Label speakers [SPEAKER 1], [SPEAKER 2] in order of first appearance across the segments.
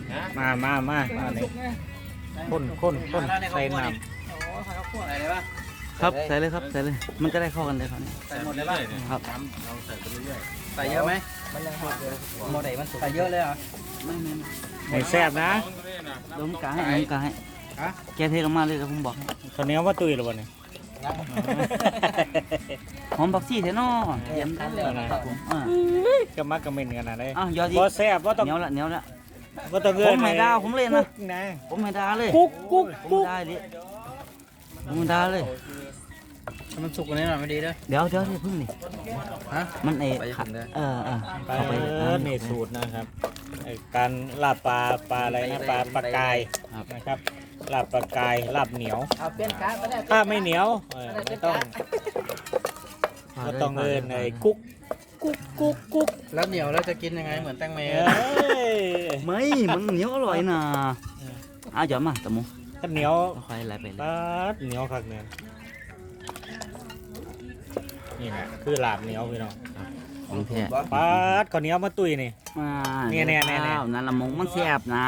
[SPEAKER 1] มาเลยข้นใส่น้ำ
[SPEAKER 2] ครับใส่เลยครับใส่เลยมันจะได้เข้ากันเลยครับ
[SPEAKER 3] ใส่หมดเลยป่ะ
[SPEAKER 2] ครับ
[SPEAKER 3] เราใส่ไปเรื่อย
[SPEAKER 4] ใส่เยอะไหมมันยังหมดเลยโมเดลมันใส่เยอะเลยเหรอ
[SPEAKER 2] ไม่
[SPEAKER 1] ให้แซ่บนะ
[SPEAKER 2] ล้มกาให้ล้มกาให้แกเทลงมาเลยครับผมบอก
[SPEAKER 1] ข้าวเหนียวว่าตุ้ยหรือเปล่าเนี่ย
[SPEAKER 2] หอมบักซี่เทนอเยี่ยมเลยครับผม
[SPEAKER 1] กระมักกระเม็นกันนะเลย
[SPEAKER 2] ยอดดี
[SPEAKER 1] พอแซ่บว่าต้อง
[SPEAKER 2] เหนียวละ
[SPEAKER 1] ว่าต้องเงิ
[SPEAKER 2] ผมไม่ด่าผมเลยนะ
[SPEAKER 1] นะ
[SPEAKER 2] ผมไม่ด่าเลย
[SPEAKER 1] กุ๊ก
[SPEAKER 2] ผมได้เลยผมด่าเลย
[SPEAKER 4] มันสุกกว่านี้หน่อยไม่ดีเด้อ
[SPEAKER 2] เดี๋ยวเพิ่งนี่
[SPEAKER 4] ฮะ
[SPEAKER 2] มันเอ
[SPEAKER 4] ไปถึงได้
[SPEAKER 2] เข้าไป
[SPEAKER 1] นี่สูตรนะครับการลาบปลาอะไรนะปลากายนะครับลาบปลากายลาบเหนียว
[SPEAKER 4] เอาเปลี่ยนการ์ดไปได้
[SPEAKER 1] ถ้าไม่เหนียวไม่ต้องเอินไอ้กุ๊ก
[SPEAKER 4] แล้วเหนียวแล้วจะกินยังไงเหมือนแตงเม
[SPEAKER 1] เอ้ย
[SPEAKER 2] ไม่มันเหนียวอร่อยนะหยอดมาตะมู
[SPEAKER 1] ถ้าเหนียว
[SPEAKER 2] ค่อยไหลไปเลย
[SPEAKER 1] ปลาเหนียวคักเนี่ยนี่แหละคือลาบเหนียวพี่น้อง
[SPEAKER 2] ของแท้
[SPEAKER 1] ปลาข้าวเหนียวมาตุ้ยนี่ เนี่ย
[SPEAKER 2] นั่นละมงมันแซ่บนะ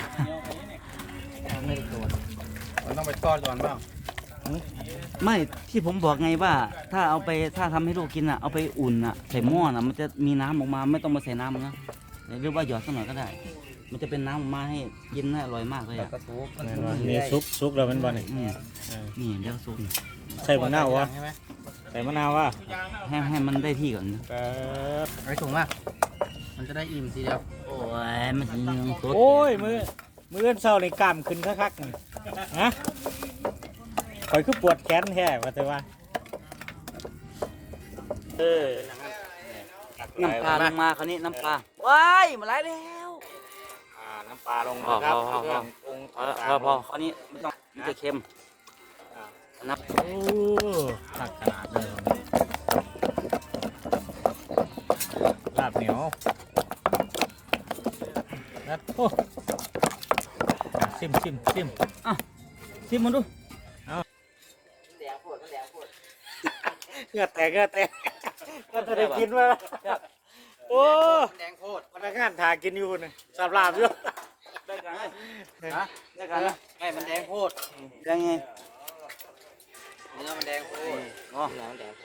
[SPEAKER 4] ไม่ได้ตัวมันต้องไปทอดก่อนเปล่า
[SPEAKER 2] ไม่ที่ผมบอกไงว่าถ้าทำให้ลูกกินอ่ะเอาไปอุ่นอ่ะใส่หม้อน่ะมันจะมีน้ำออกมาไม่ต้องมาใส่น้ำนะหรือว่าหยอดสักหน่อยก็ได้ มันจะเป็นน้ำออกมาให้กินน่าอร่อยมากเลยอ่ะ
[SPEAKER 4] กระสุก
[SPEAKER 1] นี่ซุปแล้วมันบ่นี่
[SPEAKER 2] นี่เดี๋ยวซุป
[SPEAKER 1] ใส่มะนาววะ
[SPEAKER 4] ใช่ไหม
[SPEAKER 1] ใส่มะนาววะ
[SPEAKER 2] ให้มันได้ที่ก่อนนะ
[SPEAKER 4] ไอ้ถุงอ่ะมันจะได้อิ่มทีเดียว
[SPEAKER 2] โอ้ยมันจะยังสด
[SPEAKER 1] โอ้ยมือเอื้อนเศร้าในกล้ามขึ้นคักๆนี่ฮะคอยคือปวดแขนแท้ว่าแต่ว่า
[SPEAKER 2] น้ำปลาลงมาคราวนี้น้ำปลาว้ายมาไหลแล้ว
[SPEAKER 1] น้ำปลาลงนะครับ
[SPEAKER 2] พอคราวนี้ไม่ต้องมันจะเค็มนับ
[SPEAKER 1] โอ้ตักขนาดเลยลาบเหนียวแล้วโอ้ซิม
[SPEAKER 2] ชิมมันดู
[SPEAKER 1] เงือแตกก็จะได้กินมาโอ้
[SPEAKER 4] แดงโคตร
[SPEAKER 1] พนักงานถ่ายกินอยู่นี่สับลาบอยู่
[SPEAKER 2] ได้กันไหม
[SPEAKER 4] ฮะ
[SPEAKER 2] ได้กันนะ
[SPEAKER 4] ไอ้มันแดงโคตร
[SPEAKER 2] ได้ไง
[SPEAKER 4] เนื้อมันแดงโคตร
[SPEAKER 2] อ๋อ